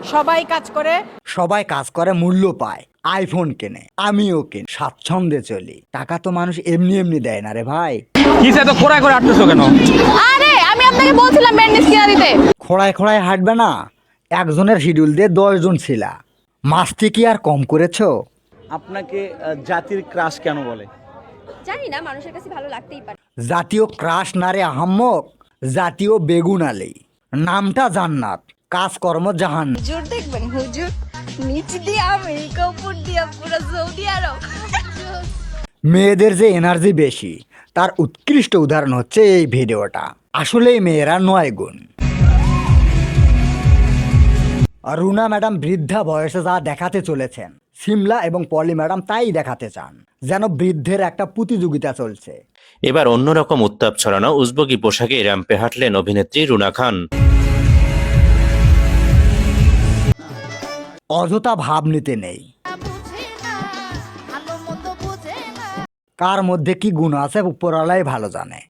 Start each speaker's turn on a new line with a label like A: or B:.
A: সবাই কাজ করে, মূল্য পায়, আইফোন কেনে, আমিও কেন, স্বাচ্ছন্দ্যে চলি। টাকা তো মানুষ এমনি এমনি দেয় না রে ভাই।
B: কিসে তো খোড়ায় করে আটতেছো কেন?
C: আরে আমি আপনাকে বলছিলাম ব্যান্ডেজ কিনা দিতে।
A: খোড়ায় খোড়ায় হাঁটবে না, একজনের শিডিউল দিয়ে 10 জন ছিলা, মাস্তি কি আর কম করেছো?
D: আপনাকে জাতির ক্রাশ কেন বলে?
C: জানি না, মানুষের কাছে ভালো লাগতেই পারে।
A: জাতীয় ক্রাশ না রে আহাম্মক, জাতীয় বেগুন আলী। নামটা জান্নাত, কাজকর্ম জাহান।
C: হুজুর দেখবেন, হুজুর নিচ দিয়ে আমেরিকা, উপর দিয়ে পুরো সৌদি আরব।
A: মেয়েদের যে এনার্জি বেশি তার উৎকৃষ্ট উদাহরণ হচ্ছে এই ভিডিওটা। আসলেই মেয়েরা 9 গুণ। রুনা ম্যাডাম বৃদ্ধা বয়সে যা দেখাতে চলেছেন, সিমলা এবং পলি ম্যাডাম তাই দেখাতে চান, যেন বৃদ্ধের একটা প্রতিযোগিতা চলছে।
E: এবার অন্যরকম উত্তাপ ছড়ানো উজবকি পোশাকে র্যাম্পে হাঁটলেন অভিনেত্রী রুনা খান।
A: অযথা ভাব নিতে নেই, কার মধ্যে কি গুণ আছে উপরওয়ালাই ভালো জানে।